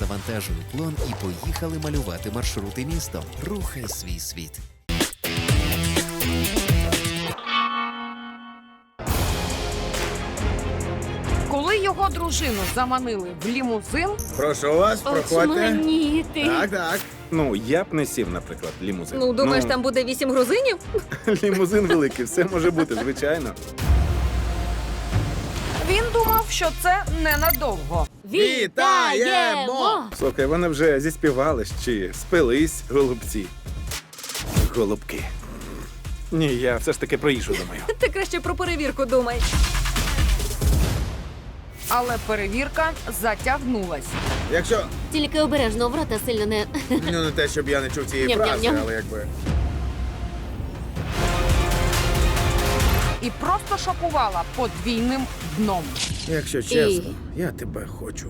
завантажуй уклон і поїхали малювати маршрути містом. Рухай свій світ. Коли його дружину заманили в лімузин, Прошу вас, проходьте. Очманіти. Так. Ну, я б не сів, наприклад, лімузин. Ну, думаєш, там буде 8 грузинів? Лімузин великий, все може бути, звичайно. він думав, що це ненадовго. Вітаємо! Слухай, вони вже зіспівались чи спились, голубці. Голубки. Ні, я все ж таки про їжу думаю. Ти краще про перевірку думай. Але перевірка затягнулась. Якщо, Тільки обережно, в рота сильно не... ну не те, щоб я не чув цієї фрази, Ням-ням-ням. але якби... І просто шокувала подвійним дном. Якщо чесно, я тебе хочу.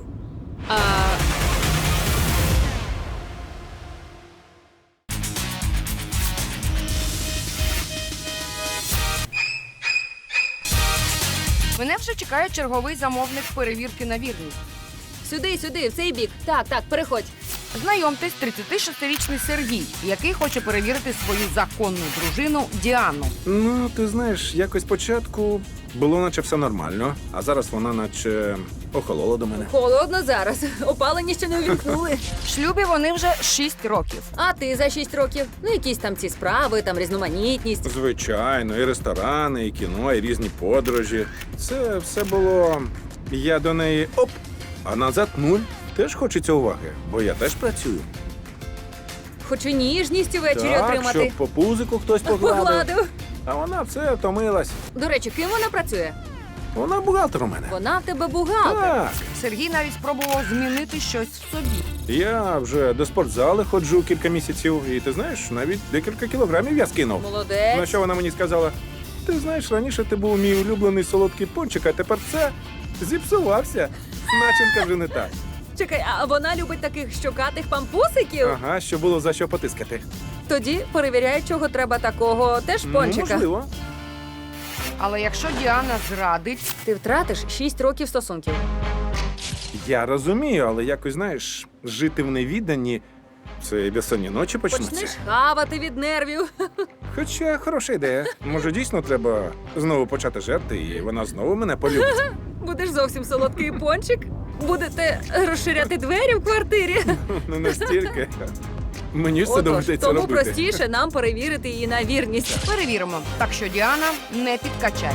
Мене вже чекає черговий замовник перевірки на вірність. Сюди, в цей бік. Так, переходь. Знайомтесь, 36-річний Сергій, який хоче перевірити свою законну дружину Діану. Ну, ти знаєш, якось спочатку було наче все нормально, а зараз вона наче охолола до мене. Холодно зараз. Опалення ще не увімкнули. В шлюбі вони вже 6 років. А ти за 6 років? Ну, якісь там ці справи, там різноманітність. Звичайно, і ресторани, і кіно, і різні подорожі. Це все було. Я до неї оп, а назад нуль. Теж хочеться уваги, бо я теж працюю. Хочу ніжність увечері Так, отримати. щоб по пузику хтось погладив. Погладив. А вона все втомилась. До речі, ким вона працює? Вона бухгалтер у мене. Вона в тебе бухгалтер. Так. Сергій навіть спробував змінити щось в собі. Я вже до спортзали ходжу кілька місяців, і ти знаєш, навіть декілька кілограмів я скинув. Молодець. На що вона мені сказала: ти знаєш, раніше ти був мій улюблений солодкий пончик, а тепер це зіпсувався. Начинка вже не та. Чекай, а вона любить таких щокатих пампусиків? Ага, що було за що потискати. Тоді перевіряє, чого треба такого теж пончика. Ну, можливо. Але якщо Діана зрадить, Ти втратиш 6 років стосунків. Я розумію, але якось, знаєш, жити в невіданні – це і безсонні ночі почнуться. Почнеш хавати від нервів. Хоча хороша ідея. Може, дійсно треба знову почати жерти, і вона знову мене полюбить. Будеш зовсім солодкий пончик. Будете розширяти двері в квартирі. Ну, настільки. Мені ж це Отож, доведеться тому робити. простіше нам перевірити її на вірність. перевіримо. Так що Діана не підкачає.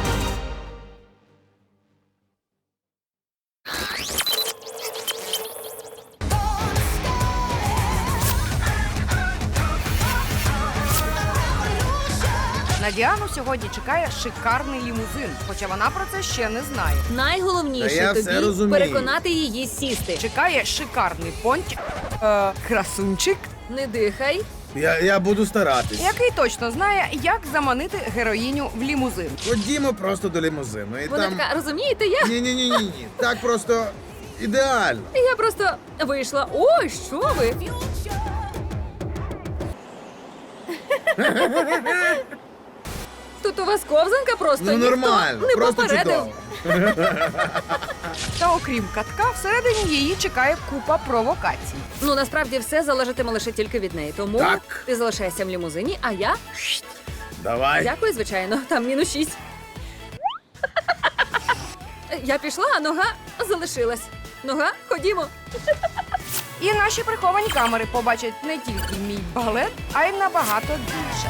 На Діану сьогодні чекає шикарний лімузин, хоча вона про це ще не знає. Та Найголовніше я все тобі розумію. переконати її сісти. Чекає шикарний пончик, красунчик, Не дихай. Я буду старатись. який точно знає, як заманити героїню в лімузин. Ходімо просто до лімузину. І Вона там... така, розумієте, я Ні. Так просто ідеально. просто вийшла. Ой, що ви? Тут у вас ковзанка просто Ну ніхто нормально, не просто попередив. чудово. Та окрім катка, всередині її чекає купа провокацій. Ну, насправді все залежатиме лише тільки від неї. Тому Так. ти залишаєшся в лімузині, а я... Давай. Дякую, звичайно, там -6. Я пішла, а нога залишилась. Нога, ходімо. І наші приховані камери побачать не тільки мій балет, а й набагато більше.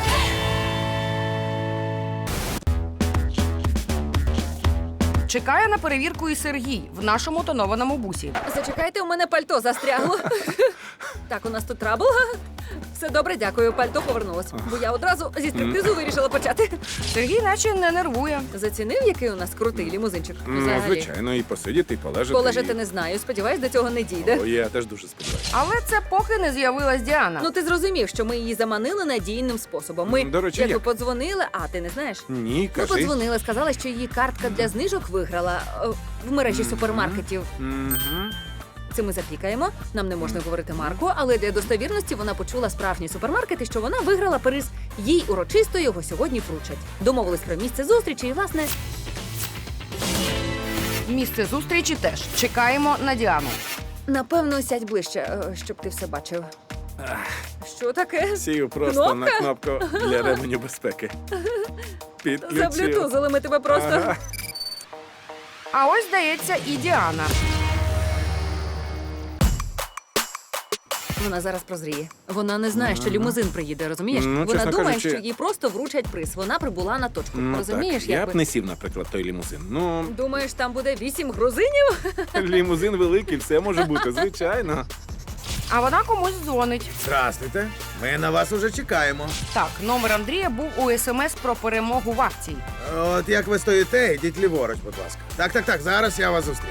Чекає на перевірку і Сергій в нашому тонованому бусі. Зачекайте, у мене пальто застрягло. Так, у нас тут трабл. Все добре, дякую. Пальто повернулось. Бо я одразу зі стриптизу вирішила почати. Сергій наче не нервує. Зацінив, який у нас крутий лімузинчик? Ну, Взагалі. звичайно, і посидіти, і полежати. Полежати не знаю. Сподіваюсь, до цього не дійде. О, я теж дуже сподіваюся. Але це поки не з'явилась Діана. Ну ти зрозумів, що ми її заманили надійним способом. Ми До речі, якби як? подзвонили, а ти не знаєш? Ні, Ми кажи. подзвонили, сказали, що її картка для знижок виграла в мережі супермаркетів. Мгм. Це ми запікаємо. Нам не можна говорити марку, але для достовірності вона почула справжні супермаркети, що вона виграла приз. Їй урочисто його сьогодні вручать. Домовились про місце зустрічі і, власне, Місце зустрічі теж. Чекаємо на Діану. Напевно, сядь ближче, щоб ти все бачив. Що таке? Сів просто на кнопку для ременю безпеки. Підключив. Заблютузили ми тебе просто. Ага. А ось, здається, і Діана. Вона зараз прозріє. Вона не знає, що лімузин приїде, розумієш? Ну, Вона чесно думає, кажучи- що їй просто вручать приз. Вона прибула на точку. Ну, Розумієш, так. Я якби? б не сів, наприклад, той лімузин. Ну, Думаєш, там буде 8 грузинів? лімузин великий, все може бути, звичайно. А вона комусь дзвонить. Здрастуйте. Ми на вас уже чекаємо. Так, номер Андрія був у СМС про перемогу в акції. От як ви стоїте, йдіть ліворуч, будь ласка. Так, зараз я вас зустріну.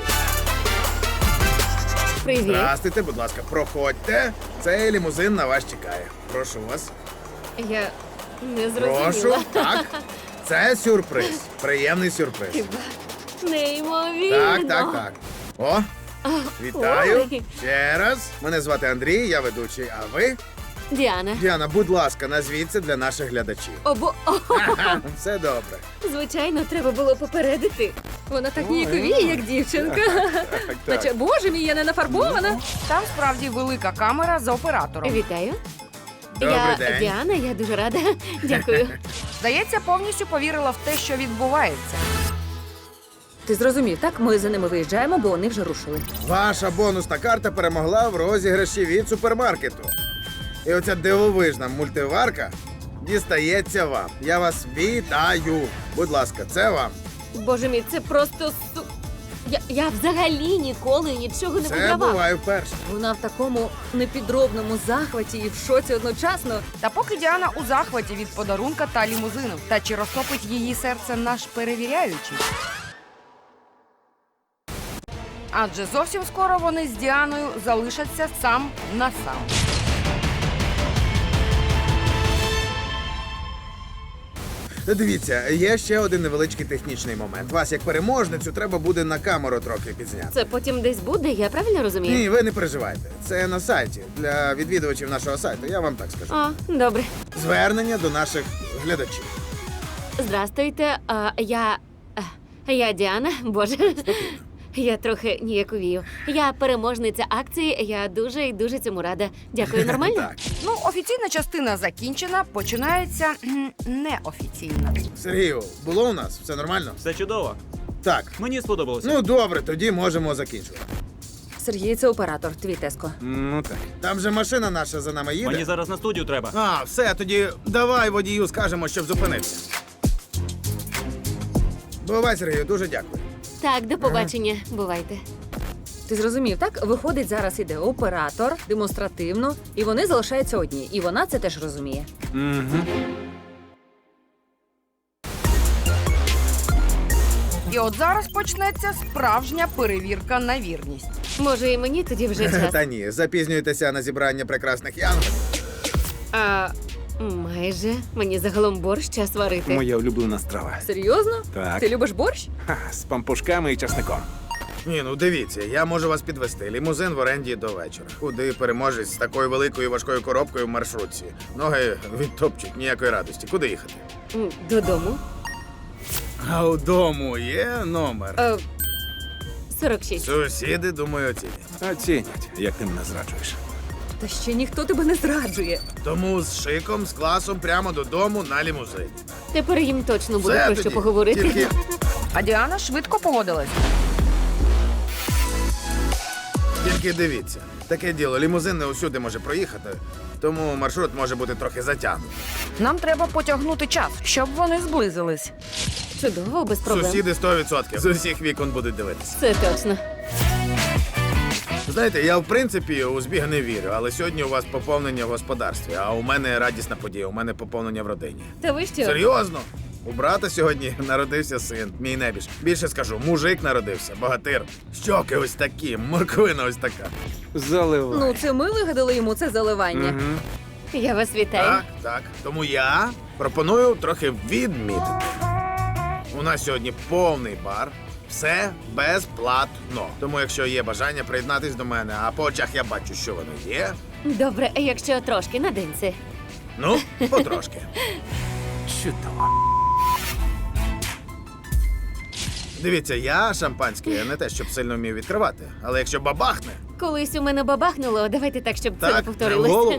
Привіт. Здрастуйте, будь ласка, проходьте. Цей лімузин на вас чекає. Прошу вас. Я не Прошу. Так. Це сюрприз. Приємний сюрприз. Неймовірно. Так. О, вітаю. Ой. Ще раз. Мене звати Андрій, я ведучий. А ви? Діана. Діана, будь ласка, назвіться для наших глядачів. Ха-ха, Все добре. звичайно, треба було попередити. Вона так ніяковіє, як дівчинка. Так, Наче, боже мій, я не нафарбована. Там справді велика камера з оператором. Вітаю. Добрий я день. Діана, я дуже рада. Дякую. Здається, повністю повірила в те, що відбувається. Ти зрозумів, так? Ми за ними виїжджаємо, бо вони вже рушили. Ваша бонусна карта перемогла в розіграші від супермаркету. І оця дивовижна мультиварка дістається вам. Я вас вітаю. Будь ласка, це вам. Боже мій, це просто Я взагалі ніколи нічого не Це вигравав. буває вперше. Вона в такому непідробному захваті і в шоці одночасно. Та поки Діана у захваті від подарунка та лімузину. Та чи розтопить її серце наш перевіряючий? Адже зовсім скоро вони з Діаною залишаться сам на сам. Дивіться, є ще один невеличкий технічний момент. Вас, як переможницю, треба буде на камеру трохи підзняти. Це потім десь буде, я правильно розумію? Ні, ви не переживайте. Це на сайті для відвідувачів нашого сайту. Я вам так скажу. О, добре. Звернення до наших глядачів. Здрастуйте. Я Діана. Боже. Я трохи ніяковію. Я переможниця акції. Я дуже і дуже цьому рада. Дякую, нормально? Так. Ну, офіційна частина закінчена, починається неофіційна. Сергію, було у нас? Все нормально? Все чудово. Так. Мені сподобалося. Ну добре, тоді можемо закінчувати. Сергій, це оператор, твій Теско. Ну так. Там же машина наша за нами їде. Мені зараз на студію треба. А, все, тоді давай водію скажемо, щоб зупинився. Бувай, Сергію, дуже дякую. Так, до побачення. Бувайте. Ти зрозумів, так? Виходить, зараз іде оператор, демонстративно, і вони залишаються одні. І вона це теж розуміє. Угу. І от зараз почнеться справжня перевірка на вірність. Може, і мені тоді вже час. Та ні, запізнюєтеся на зібрання прекрасних янголів. Майже. Мені загалом борщ час варити. Моя улюблена страва. Серйозно? Так. Ти любиш борщ? Ха, з пампушками і часником. Ні, ну дивіться, я можу вас підвести. Лімузин в оренді до вечора. Куди переможець з такою великою важкою коробкою в маршрутці. Ноги відтопчуть, ніякої радості. Куди їхати? Додому. А вдому є номер. 46. Сусіди, думаю, оцінять. Оцінять, як ти мене зраджуєш. Та ще ніхто тебе не зраджує. Тому з шиком, з класом прямо додому на лімузині. Тепер їм точно буде Все про тоді. що поговорити. Тільки А Діана швидко погодилась. Тільки дивіться, таке діло, лімузин не усюди може проїхати, тому маршрут може бути трохи затягнутий. Нам треба потягнути час, щоб вони зблизились. Чудово, без проблем. Сусіди 100% з усіх вікон будуть дивитися. Це точно. Знаєте, я в принципі у збіг не вірю, але сьогодні у вас поповнення в господарстві, а у мене радісна подія, у мене поповнення в родині. Та ви що? Серйозно? У брата сьогодні народився син, мій небіж. Більше скажу, мужик народився, богатир. Щоки ось такі, морквина ось така. Заливай. Ну, це ми вигадали йому це заливання. Мгм. Я вас вітаю. Так. Тому я пропоную трохи відмітити. У нас сьогодні повний бар, все безплатно. Тому якщо є бажання приєднатись до мене, а по очах я бачу, що воно є. Добре, якщо трошки на денці. Ну, потрошки. Чудово. Дивіться, я шампанське не те, щоб сильно вмів відкривати. Але якщо бабахне, Колись у мене бабахнуло, давайте так, щоб це не Так, в повторилось. голову.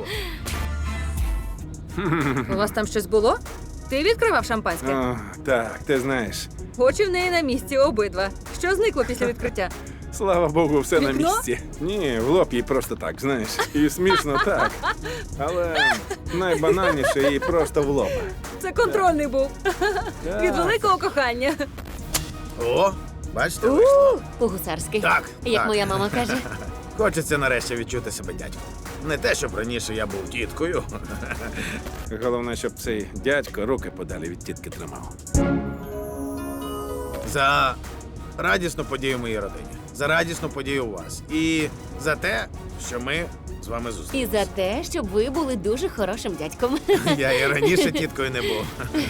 У вас там щось було? Ти відкривав шампанське? О, так, ти знаєш. Очі в неї на місці обидва. Що зникло після відкриття? Слава Богу, все на Вікно? місці. Ні, в лоб їй просто так, знаєш. І смішно так. Але найбанальніше їй просто в лоб. Це контрольний був. Так. Від великого кохання. О, бачите, вийшло. По-гусарськи. Так, Як так. моя мама каже. Хочеться нарешті відчути себе дядьком. Не те, щоб раніше я був тіткою. Головне, щоб цей дядько руки подалі від тітки тримав. За радісну подію в моїй родині, за радісну подію у вас. І за те, що ми з вами І зустрілися. за те, щоб ви були дуже хорошим дядьком. Я і раніше тіткою не був.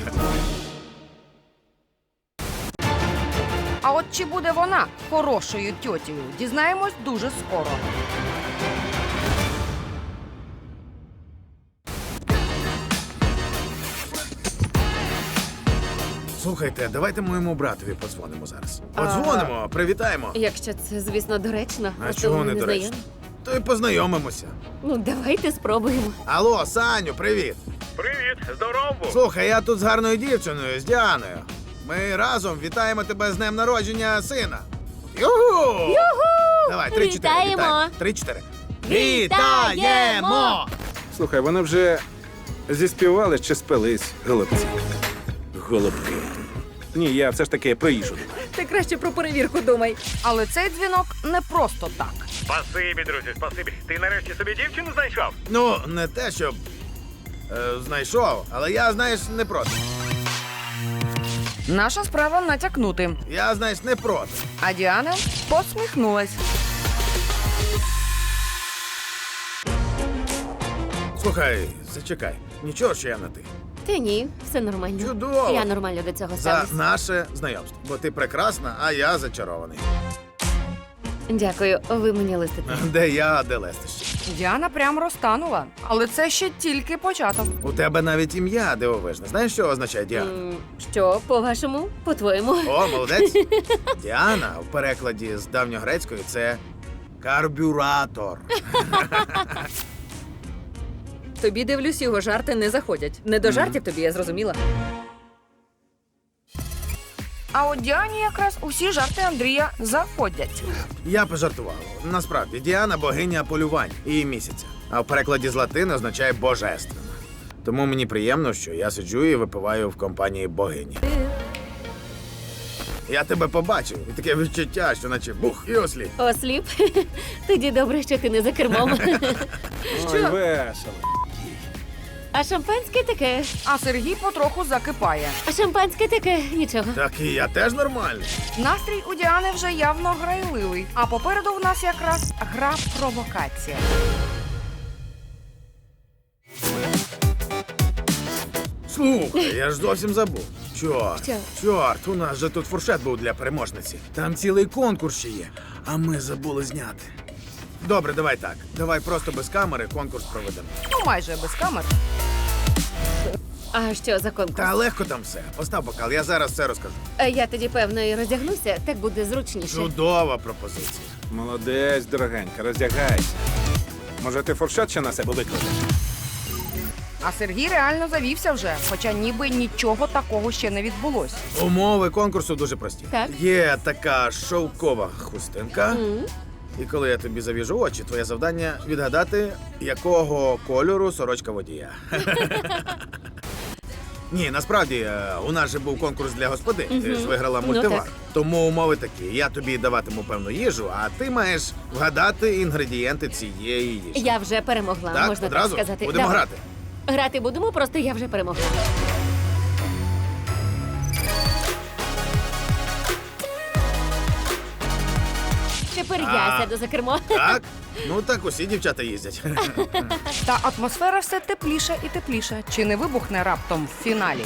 А от чи буде вона хорошою тьотєю, дізнаємось дуже скоро. Слухайте, давайте моєму братові подзвонимо зараз. Подзвонимо, привітаємо. Якщо це, звісно, доречно. А Просто чого ми не доречно? знайомі. То й познайомимося. Ну, давайте спробуємо. Алло, Саню, привіт. Привіт, здорово! Слухай, я тут з гарною дівчиною, з Діаною. Ми разом вітаємо тебе з днем народження сина. Юху! Юху! Давай, 3-4. Вітаємо! 3-4. Вітаємо! Слухай, вони вже зіспівали чи спились, голубці. Голубки. Ні, я все ж таки про їжу думаю. Ти краще про перевірку думай. Але цей дзвінок не просто так. Спасибі, друзі, спасибі. Ти нарешті собі дівчину знайшов? Ну, не те, щоб знайшов, але я, знаєш, не проти. Наша справа натякнути. Я, знаєш, не проти. А Діана посміхнулась. Слухай, зачекай. Нічого, що я на ти. Та ні, все нормально. Чудово. Я нормально до цього За ставлюсь. наше знайомство. Бо ти прекрасна, а я зачарований. Дякую, ви мені листите. Де я, а де лестище. Діана прям розтанула. Але це ще тільки початок. У тебе навіть ім'я дивовижне. Знаєш, що означає Діана? Що, по-вашому? По-твоєму? О, молодець. Діана в перекладі з давньогрецької це карбюратор. Тобі, дивлюсь, його жарти не заходять. Не до жартів тобі, я зрозуміла. А от Діані якраз усі жарти Андрія заходять. Я пожартував. Насправді, Діана богиня полювань і місяця. А в перекладі з латини означає божественна. Тому мені приємно, що я сиджу і випиваю в компанії богині. Я тебе побачив, і таке відчуття, що наче бух і осліп. Осліп? Тоді добре, що ти не за кермом. Ой, весело. А шампанське таке. А Сергій потроху закипає. А шампанське таке нічого. Так і я теж нормальний. Настрій у Діани вже явно грайливий. А попереду в нас якраз гра провокація. Слухай, я ж зовсім забув. Чорт, Що? чорт, у нас же тут фуршет був для переможниці. Там цілий конкурс ще є, а ми забули зняти. Добре, давай так. Давай просто без камери конкурс проведемо. Ну, майже без камер. А що за конкурс? Та легко там все. Постав бокал, я зараз все розкажу. Я тоді, певно, і роздягнуся, так буде зручніше. Чудова пропозиція. Молодець, дорогенька, роздягайся. Може, ти фуршет ще на себе викладеш? А Сергій реально завівся вже, хоча ніби нічого такого ще не відбулось. Умови конкурсу дуже прості. Так. Є така шовкова хустинка. І коли я тобі завіжу очі, твоє завдання відгадати, якого кольору сорочка водія. Ні, насправді, у нас же був конкурс для господинь. Ти ж виграла Ну, мультивар. так. Тому умови такі. Я тобі даватиму певну їжу, а ти маєш вгадати інгредієнти цієї їжі. Я вже перемогла, Так, можна одразу так сказати. будемо Давай. грати. Грати будемо, просто я вже перемогла. Тепер я сяду за кермо. Так? Ну так усі дівчата їздять. Та атмосфера все тепліша і тепліша. Чи не вибухне раптом в фіналі?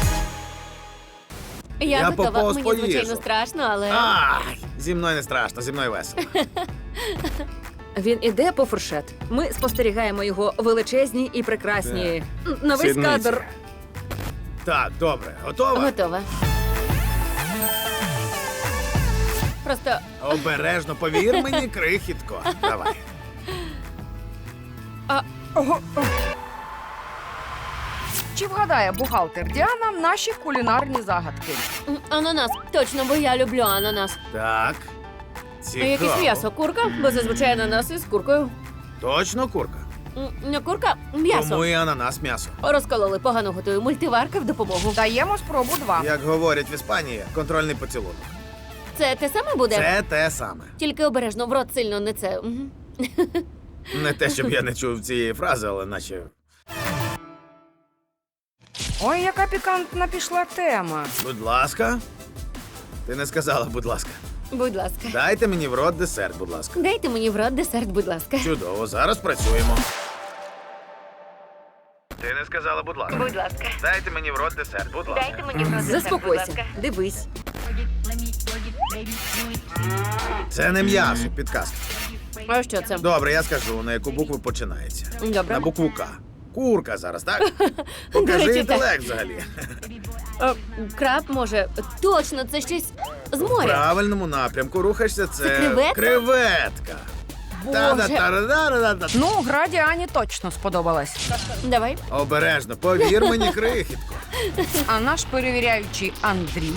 Я Я готова. поповз Мені, по звичайно, їжу. страшно, але. Ай, зі мною не страшно, зі мною весело. Він іде по фуршет. Ми спостерігаємо його величезні і прекрасні. На весь Сідниці. кадр. Так, добре, готова? Готова. Просто Обережно, повір мені, крихітко. Давай. Чи вгадає бухгалтер Діана наші кулінарні загадки? ананас. Точно, бо я люблю ананас. Так. А Цікаво. якесь м'ясо, курка, бо зазвичай ананас із куркою. Точно курка? Не курка, м'ясо. Тому і ананас м'ясо. Розкололи, погано готую. Мультиварка в допомогу. Даємо спробу 2. Як говорять в Іспанії, контрольний поцілунок. Це те саме буде? Це те саме. Тільки обережно, в рот сильно не це. Мгм. Не те, щоб я не чув цієї фрази, але наче. Ой, яка пікантна пішла тема. Будь ласка. Ти не сказала, будь ласка. Будь ласка. Дайте мені в рот десерт, будь ласка. Дайте мені в рот десерт, будь ласка. Чудово, зараз працюємо. Ти не сказала, будь ласка. Будь ласка. Дайте мені в рот десерт, будь ласка. Дайте мені в рот десерт, будь Заспокойся, ласка. дивись. Це не м'ясо, підказка. А що це? Добре, я скажу, на яку букву починається. Добре. На букву К. Курка зараз, так? До Покажи речі, інтелект взагалі. Краб може. Точно, це щось з В моря. правильному напрямку рухаєшся, це креветка? креветка. Боже. Та-да-та-да-да-да-да. Ну, гра Діані точно сподобалась. Давай. Обережно, повір мені, крихітко. А наш перевіряючий Андрій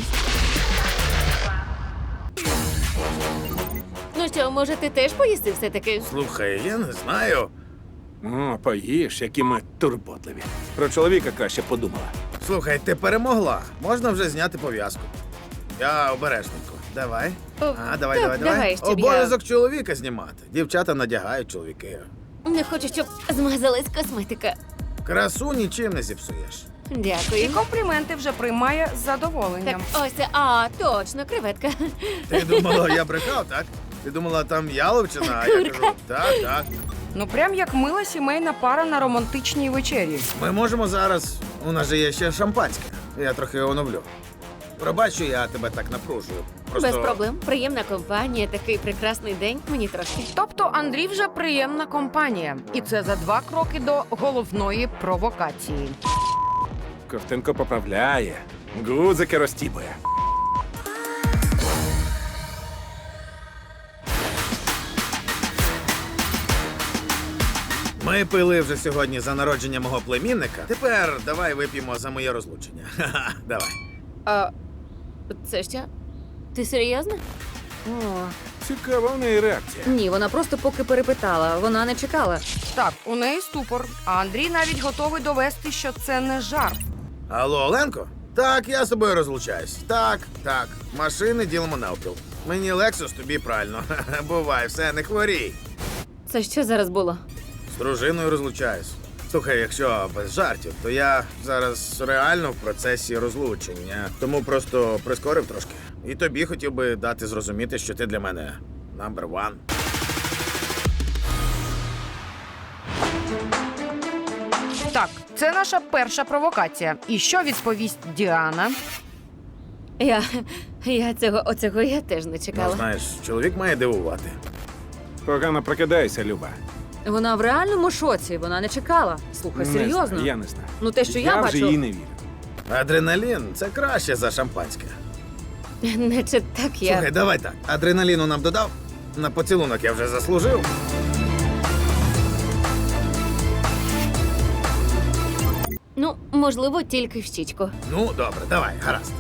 Ну що, може, ти теж поїси все-таки? Слухай, я не знаю. О, поїж, які ми турботливі. Про чоловіка краще подумала. Слухай, ти перемогла. Можна вже зняти пов'язку. Я обережненько. Давай. Давай. так, давай, щоб Обов'язок чоловіка знімати. Дівчата надягають, чоловіки. Не хочу, щоб змазалась косметика. Красу нічим не зіпсуєш. і Дякую. компліменти вже приймає з Так, задоволенням. ось це. А, точно, креветка. Ти думала, я брехав, так? Ти думала, там яловичина, а я кажу, так. Ну, прям як мила сімейна пара на романтичній вечері. Ми можемо зараз. У нас же є ще шампанське. Я трохи оновлю. Пробач, що я тебе так напружую. Без проблем. Приємна компанія, такий прекрасний день. Мені трошки. Тобто Андрій вже приємна компанія. І це за 2 кроки до головної провокації. Ковтинко поправляє, гудзики розтібує. Ми пили вже сьогодні за народження мого племінника. Тепер давай вип'ємо за моє розлучення. Ха-ха, давай. А це що? Ти серйозно? О, Цікава в неї реакція. ні, вона просто поки перепитала, вона не чекала. Так, у неї ступор, а Андрій навіть готовий довести, що це не жарт. Алло, Оленко? Так, я з тобою розлучаюсь. Так. Машини ділимо навпіл. Мені Лексус, тобі правильно. Бувай, все, не хворій. Це що зараз було? З дружиною розлучаюсь. Слухай, якщо без жартів, то я зараз реально в процесі розлучення. Тому просто прискорив трошки. І тобі хотів би дати зрозуміти, що ти для мене number one. Так, це наша перша провокація. І що відповість Діана? Оцього я теж не Ну, чекала. знаєш, чоловік має дивувати. Погано прокидайся, Люба. Вона в реальному шоці, вона не чекала. Слухай, Не серйозно? знаю, я не знаю. Ну, те, що я вже бачу- їй не вірю. Адреналін це краще за шампанське. Наче так я. Слухай, давай так. Адреналіну нам додав. На поцілунок я вже заслужив. Ну, можливо, тільки в щічку. Ну, добре, давай, гаразд.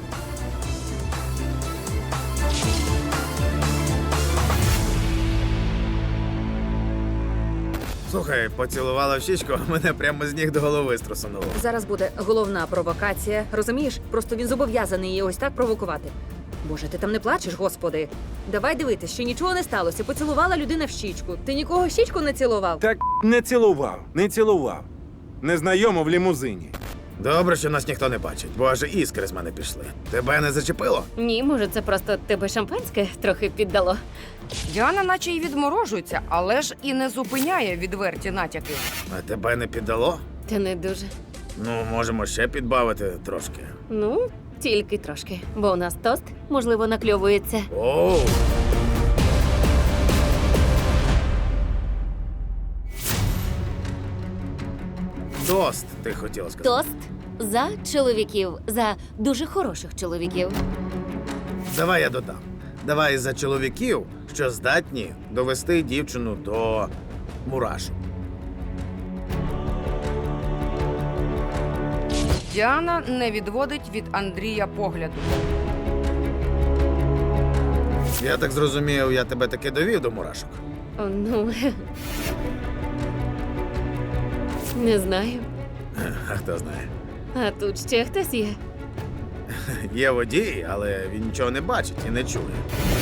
Слухай, поцілувала в щічку, а мене прямо з ніг до голови струсануло. Зараз буде головна провокація. Розумієш? Просто він зобов'язаний її ось так провокувати. Боже, ти там не плачеш, господи. Давай дивитись, що нічого не сталося. Поцілувала людина в щічку. Ти нікого в щічку не цілував? Так не цілував. Незнайомо в лімузині. Добре, що нас ніхто не бачить, бо аж іскри з мене пішли. Тебе не зачепило? Ні, може, це просто тебе шампанське трохи піддало. Діана наче й відморожується, але ж і не зупиняє відверті натяки. А тебе не піддало? Та не дуже. Ну, можемо ще підбавити трошки. Ну, тільки трошки. Бо у нас тост, можливо, накльовується. Оу! Тост, ти хотіла сказати. Тост за чоловіків, за дуже хороших чоловіків. Давай я додам. Давай за чоловіків, що здатні довести дівчину до мурашок. Діана не відводить від Андрія погляду. Я так зрозумів, я тебе таки довів до мурашок. О, ну. Не знаю. А хто знає. А тут ще хтось є. Є водій, але він нічого не бачить і не чує.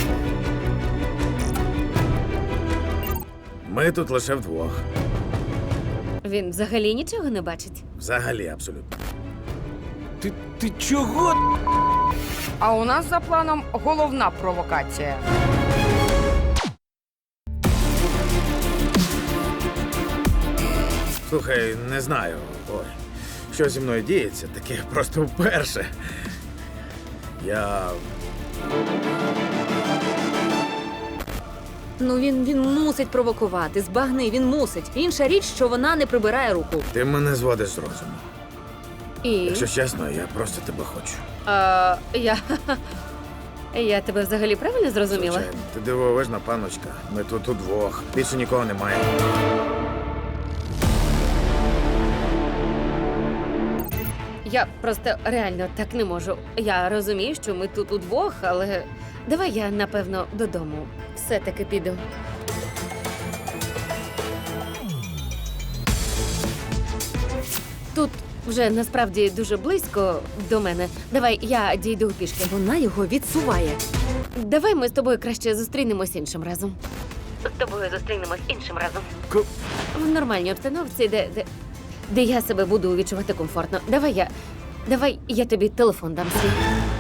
Ми тут лише вдвох. Він взагалі нічого не бачить. Взагалі, абсолютно. Ти чого? А у нас за планом головна провокація. Слухай, не знаю. Ой, що зі мною діється, таке просто вперше. Я. Ну він мусить провокувати, збагни, він мусить. Інша річ, що вона не прибирає руку. Ти мене зводиш з розуму. І Якщо чесно, я просто тебе хочу. я тебе взагалі правильно зрозуміла? Звичайно. Ти дивовижна паночка. Ми тут удвох. Більше нікого немає. Я просто реально так не можу. Я розумію, що ми тут удвох, але давай я, напевно, додому. Все-таки піду. Тут вже насправді дуже близько до мене. Давай я дійду пішки. Вона його відсуває. Давай ми з тобою краще зустрінемось іншим разом. З тобою зустрінемось іншим разом. В нормальній обстановці, де я себе буду відчувати комфортно. Давай я тобі телефон дам свій.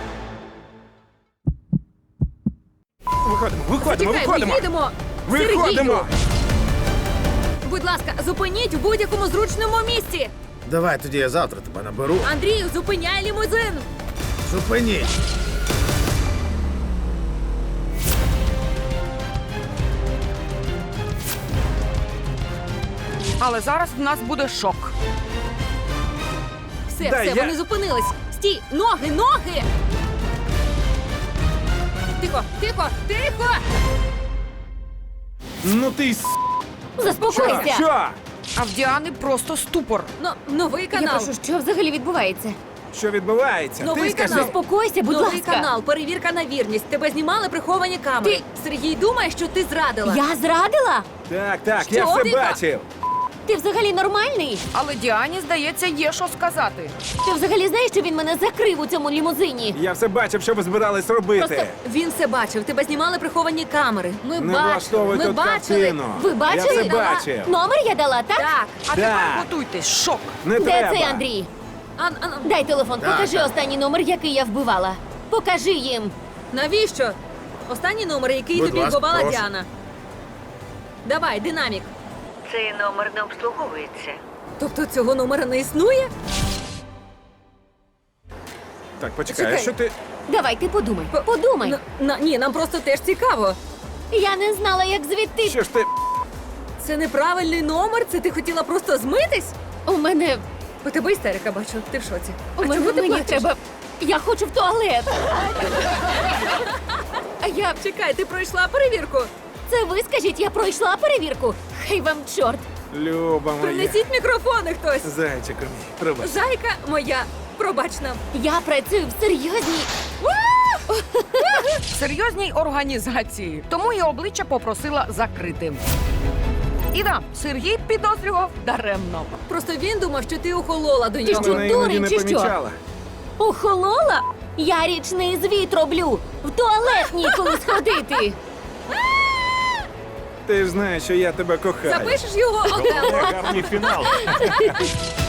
Виходимо! Чекай, ми їдемо! Виходимо! Будь ласка, зупиніть у будь-якому зручному місці! Давай тоді я завтра тебе наберу. Андрію, зупиняй лімузин! Зупиніть! Але зараз в нас буде шок. Все, Дай все, я- вони зупинились! Стій! Ноги, ноги! Тихо, тихо, тихо! Ну ти Заспокойся! Що? А в Діани просто ступор. Новий Я канал! прошу, що взагалі відбувається? Що відбувається? Новий Ти скажи. канал. Заспокойся, будь Новий ласка. канал, перевірка на вірність. Тебе знімали приховані камери. Ти- Сергій думає, що ти зрадила. Я зрадила? Так, я Що все ти бачив. Ти взагалі нормальний? Але Діані, здається, є що сказати. Ти взагалі знаєш, що він мене закрив у цьому лімузині? Я все бачив, що ви збирались робити. Просто Він все бачив. Тебе знімали приховані камери. Ми Не бачили. влаштовуй Ми тут бачили. картину. Ви бачили? Я все бачив. Номер я дала, так? Так. А тепер Так. готуйтесь, шок. Не Де треба. цей Андрій? А, Дай телефон, Так, покажи так. останній номер, який я вбивала. Покажи їм. навіщо? Останній номер, який Будь тобі ласка, вбивала прошу. Діана. Давай, динамік. Цей номер не обслуговується. Тобто цього номера не існує? Так, почекай, Чекай. а що ти. Давай, ти подумай. Подумай. Ні, нам просто теж цікаво. Я не знала, як звідти. Що ж ти. Це неправильний номер? Це ти хотіла просто змитись? У мене. У тебе істерика, бачу. Ти в шоці. У А мене чого ти мені плачеш? треба. Я хочу в туалет. А я, чекай, ти пройшла перевірку. Це ви скажіть, я пройшла перевірку. Хай вам чорт. Люба моя. Принесіть мікрофони хтось. Зайчику мій, пробач. Зайка моя, пробач нам. Я працюю в серйозній. В серйозній організації. Тому і обличчя попросила закритим. І да, Сергій підозрював даремно. Просто він думав, що ти охолола до Ти нього. що? Вона іноді дурень не чи що? помічала. Охолола? Я річний звіт роблю. В туалет ніколи сходити. Ти ж знаєш, що я тебе кохаю. Запишеш його окремо. Гарний фінал.